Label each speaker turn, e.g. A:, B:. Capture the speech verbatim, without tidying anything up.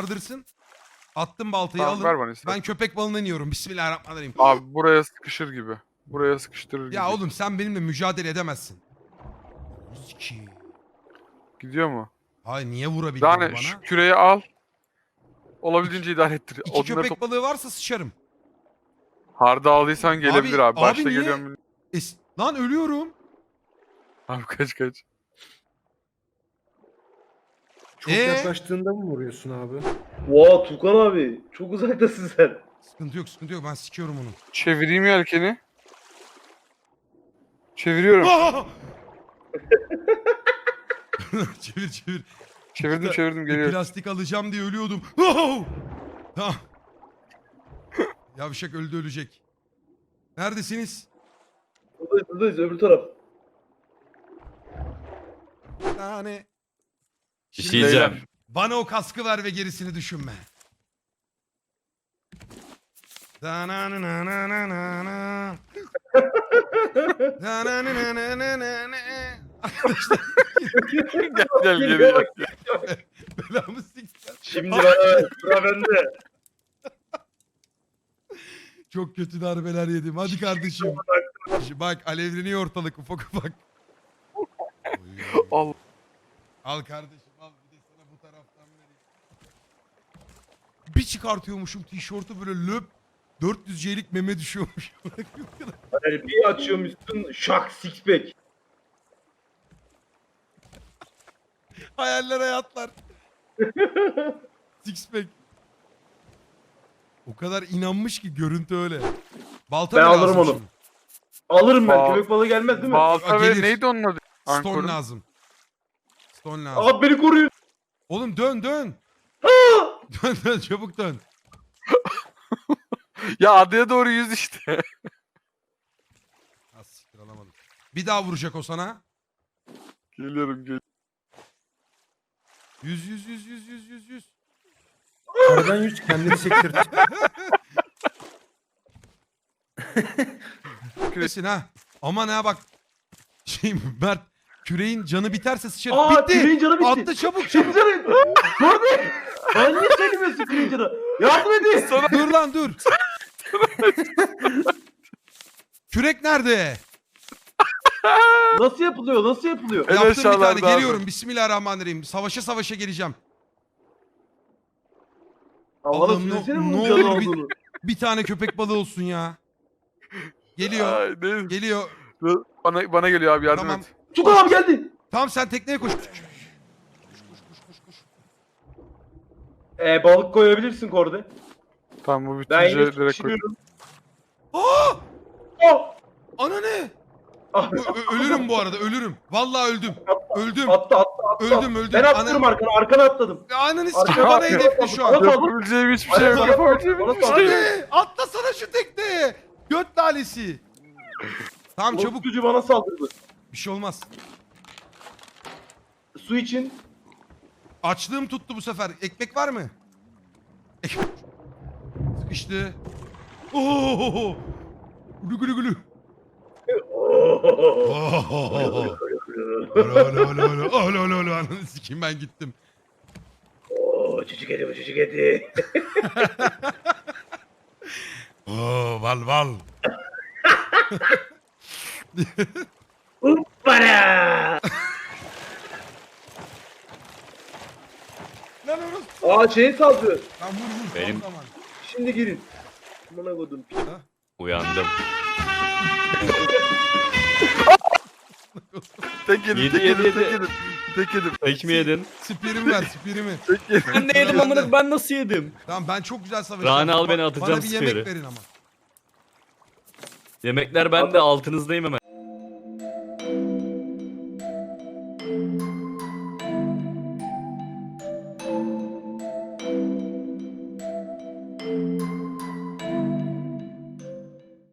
A: yardırsın. Attım baltayı
B: Tamam,
A: alın.
B: ver bana istersen.
A: Ben köpek balığından iniyorum. Bismillahirrahmanirrahim.
B: Abi buraya sıkışır gibi. Buraya sıkıştırır gibi.
A: Ya oğlum sen benimle mücadele edemezsin. Ki.
B: Gidiyor mu?
A: Hayır niye vurabildin
B: Yani
A: bana?
B: şu küreyi al. Olabildiğince idare ettir.
A: İki
B: Odunları
A: köpek
B: top...
A: balığı varsa sıçarım.
B: Harda aldıysan gelebilir abi.
A: Abi- abi
B: Başta
A: niye?
B: geliyorum.
A: Es Lan ölüyorum.
B: Abi kaç kaç.
C: Çok
A: Ee?
C: yaklaştığında mı vuruyorsun abi?
D: Oha Tukan abi. Çok uzaktasın sen.
A: Sıkıntı yok sıkıntı yok ben sikiyorum onu.
B: Çevireyim yelkeni. Çeviriyorum.
A: Aa! çevir çevir.
B: Çevirdim
A: İşte
B: çevirdim
A: bir
B: geliyor.
A: plastik alacağım diye ölüyordum. Oh! Tamam. Yavşak öldü ölecek. Neredesiniz?
D: Buradayız buradayız öbür taraf.
A: Yani.
E: Bir
A: Şimdi
E: şey diyeceğim.
B: Beyler.
A: bana o kaskı ver ve gerisini düşünme. Da-na-na-na-na-na-na. Da-na-na-na-na-na-na. Arkadaşlar
B: Gel gel geri gel.
A: belamı siktir.
D: Şimdi bana sıra bende.
A: Çok kötü darbeler yedim. Hadi kardeşim. Bak alevleniyor ortalık ufak ufak.
B: Al.
A: Al kardeşim al bir de sana bu taraftan vereyim. Bir çıkartıyormuşum tişörtü böyle löp dört yüz C'lik meme düşüyormuş.
D: Yani bir açıyormuşsun şak six pack.
A: Hayaller hayatlar. Six pack. O kadar inanmış ki görüntü öyle. Balta
D: Ben
A: mı
D: alırım
A: lazım
D: onu.
A: şimdi?
D: Alırım ben.
B: Ba-
D: Köpek balığı gelmez değil mi?
B: Balta
A: Gelir.
B: ve neydi onun adı?
A: Stone
B: Ankorun.
A: lazım. Stone lazım.
D: Abi beni koruyun.
A: Oğlum dön dön. dön dön çabuk dön.
B: Ya adaya doğru yüz işte.
A: Ha siktir alamadım. Bir daha vuracak o sana.
B: Geliyorum gel.
A: Yüz yüz yüz yüz yüz yüz yüz.
C: Aradan yüz kendini sektir.
A: Küresin ha. Aman ha bak. Şey Mert küreğin canı biterse sıçar.
D: Aa
A: Bitti.
D: küreğin canı bitti.
A: Attı çabuk
D: Şimdi
A: çabuk.
D: canı. Gördün. Ben niye söylemiyorsun küreğin canı? Yardım edin.
A: dur lan dur. Kürek nerede?
D: Nasıl yapılıyor? Nasıl yapılıyor?
B: En
A: Yaptım bir tane
B: aşağılarda abi.
A: geliyorum. Bismillahirrahmanirrahim. Savaşa savaşa geleceğim.
D: Havada
A: Allah'ım, ne-
D: söylesene
A: ne
D: bunun canı
A: olur bir-
D: olduğunu.
A: Bir tane köpek balığı olsun ya. Geliyor.
B: Ay, ne?
A: Geliyor.
B: Bana, bana geliyor abi yardım
A: Tamam.
B: et.
D: Tukan abi geldi.
A: Tamam sen tekneye koş.
D: Ee, balık koyabilirsin korde.
B: Tamam bu
D: Ben
B: bitince
D: yine
B: direkt koy.
D: pişiriyorum.
A: Aa!
D: Oh!
A: Ana ne?
D: Ah,
A: Ö- ö- ölürüm bu arada ölürüm. Vallahi öldüm. Öldüm.
D: Attı attı attı.
A: Öldüm, öldüm.
D: Ben atlıyorum
A: Ana-
D: arkana. Arkana atladım.
A: Ananı sikeyim
D: Arkana
A: bana hedefli şu an.
D: Bana saldır.
B: Yapabileceğim hiçbir şey yok.
D: Bana
B: Yapabileceğim
D: bana
B: hiçbir şey yok.
A: Hadi atlasana şu tekneye. Göt lalesi. Tamam çabuk.
D: Çabuk. Bana saldırdı.
A: Bir şey olmaz.
D: Su için.
A: Açlığım tuttu bu sefer. Ekmek var mı? Ek- Sıkıştı. Oo! Gülü gülü gülü. Oo! Alo alo alo alo alo alo alo ananı sikeyim ben gittim.
D: Oo, çocuk eti bu çocuk eti.
A: Oo val val.
D: Para.
A: Lan orası.
D: Aa şeyi saldırıyor.
A: Lan vur vur.
E: Benim-
A: Son zaman.
D: Şimdi girin. Bana koydum.
E: Uyandım.
B: Tek yedim,
E: Yedi,
B: tek
E: yedi,
B: yedim, tek
E: yedi.
B: yedim. Tek yedim.
E: Tek mi yedin?
A: Spirimi ver spirimi.
B: Tek yedim.
E: Ben de yedim amına ben nasıl yedim?
A: Tamam ben çok güzel savaşıyorum.
E: Rane al
A: Ba-
E: beni, atacağım
A: Bana bir yemek
E: spiri.
A: verin ama.
E: Yemekler bende altınızdayım hemen.